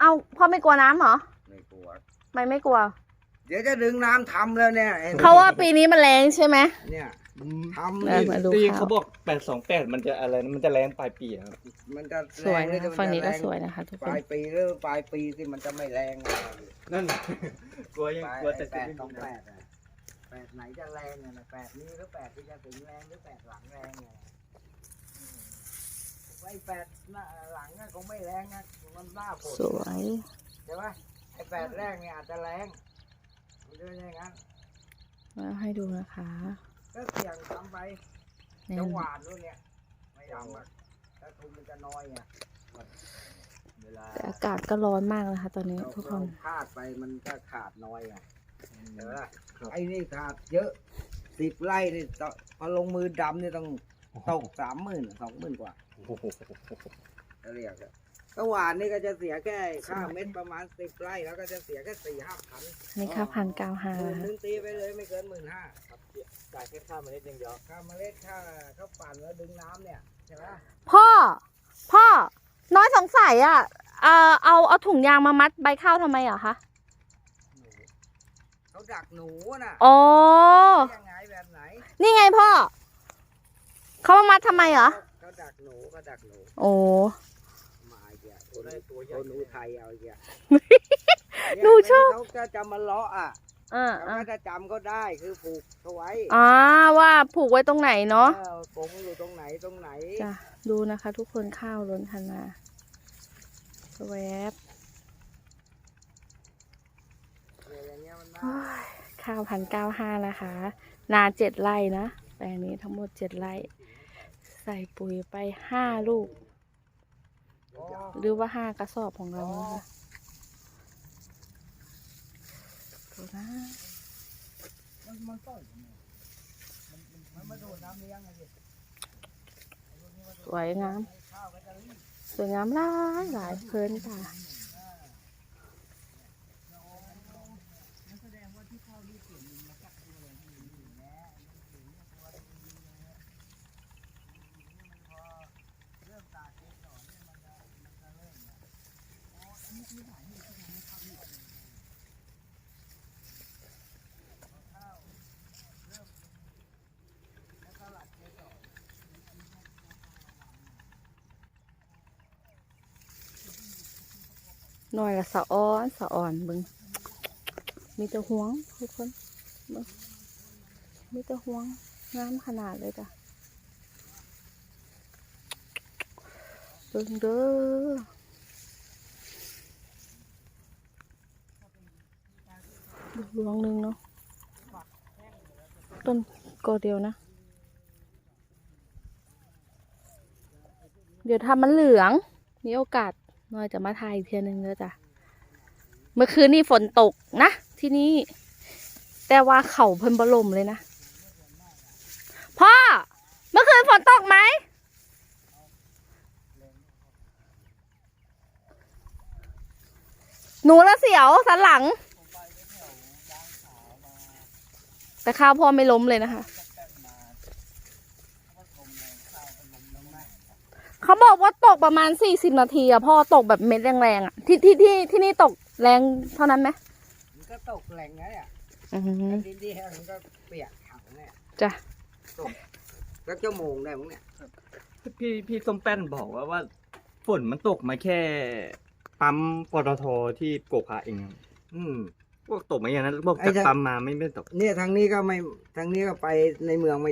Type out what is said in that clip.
เอาพ่อไม่กลัวน้ำเหรอไม่กลัวไม่กลัวเดี๋ยวจะดึงน้ำทำแล้วเนี่ยเขาว่าปีนี้มันแรงใช่ไหมเนี่ยทำมาดูตีข้าวเขาบอก828มันจะอะไรนะมันจะแรงปลายปีครับมันจะสวยแรนะงหรือฝั่งนี้ก็มัจะสวยนะคะทุกปคนลายปีหรือปลายปีที่มันจะไม่แรงนั่นกลัวยังกลัวแต่แปจะดต้องแปดอะแปดไหนจะแรงเนี่ยนะแปดนี้หรือแปดที่จะถึงแรงหรือแปดหลังแรงเนี่ยไอ้แปดหน้าหลังก็คงไม่แรงนะมันหน้าฝนสวยใช่ไหมไอ้แปดแรกเนี่ยอาจจะแรงมันจะเป็นอย่างนั้นมาให้ดูนะคะก็เสี่ยงทำไปเนี่ยจะหวานด้วยเนี่ยไม่ทำอ่ะถ้าทุนมันจะน้อยไงเวลาแต่อากาศก็ร้อนมากนะคะ ตอนนี้ทุกคนเราพลาดไปมันก็ขาดน้อยไงเห็นไหมล่ะไอ้นี่ขาดเยอะ10 ไร่นี่พอลงมือดำนี่ต้องตก30,000 20,000 กว่าโอ้โหจะเรียกอะก็หวานนี่ก็จะเสียแค่ค่าเม็ดประมาณ10 ไร่แล้วก็จะเสียแค่4-5 พันนี่ค่ะ1,900 นึงตีไปเลยไม่เกิน15,000 ครับจ่ายแค่ค่าเมล็ดอย่างเดียวค่าเมล็ดค่าเขาปั่นแล้วดึงน้ำเนี่ยใช่ไหมพ่อน้อยสงสัยอ่ะเอาถุงยางมามัดใบข้าวทำไมเหรอคะเขาดักหนูน่ะอ๋อยังไงแบบไหนนี่ไงพ่อเขามามัดทำไมเหรอเขาดักหนูเขาดักหนูโอ้มาอีกอ่ะคนอุทัยเอาอีกอ่ะหนูชอบเขาจะจำมาเลาะอ่ะ เขาก็จะจำก็ได้คือผูกเขาไว้ว่าผูกไว้ตรงไหนเนาะกงอยู่ตรงไหนตรงไหนจ้ะดูนะคะ ทุกคนข้าวล้นคันนาแวบอย่างเงี้ยมันได้โอ้ยข้าว1,900นะคะ นา7 ไร่นะแปลงนี้ทั้งหมด7 ไร่ ใส่ปุ๋ยไป5 ลูก หรือว่า5 กระสอบของเรานะคะดูนะมันต้นมันมาดูดน้ำเลี้ยงไงสิสวยงามข้าวก็จะรีบสวยงามหลายเพลินค่ะแสดงว่าที่ข้าวรีบเปลี่ยนมาจากตัวเลยที่อยู่แล้วเริ่มตากเกสรเนี่ยมันจะเริ่มเนี่ยอันนี้คือสาเหตุที่ทำให้ข้าวรีบข้าวเริ่มแล้วก็หลัดเกสรหน่อยละสะอ่อนเบึงมีแต่ห่วงทุกคนเบิ่งมีแต่ห่วงงามขนาดเลยจ้ะเบิ่งเด้อดวงหนึ่งเนาะต้นกอเดียวนะ เดี๋ยวทำมันเหลืองมีโอกาสน้อยจะมาถ่ายอีกเทียนึงเด้อจ้ะเมื่อคืนนี่ฝนตกนะที่นี่แต่ว่าเขาเพิ่นบลมเลยนะพ่อเมื่อคืนฝนตกไหมหนูละเสียวสันหลัง แต่ข้าวพ่อไม่ล้มเลยนะคะเขาบอกว่าตกประมาณ40 นาทีอะพ่อตกแบบเม็ดแรงๆอะที่นี่ตกแรงเท่านั้นไหมมันก็ตกแหล่งไงอ่ะอือหือดินที่แห้งมันก็เปียกถังเนี่ยจ้ะตกก็ชั่วโมงได้มั้งเนี่ยพี่ส้มแป้นบอกว่าฝนมันตกมาแค่ปั๊มปตทที่โกกพาเองครับอืมพวกตกมาอย่างนั้นบอกจากปั๊มมาไม่ตกเนี่ยทางนี้ก็ไม่ทางนี้ก็ไปในเมืองไม่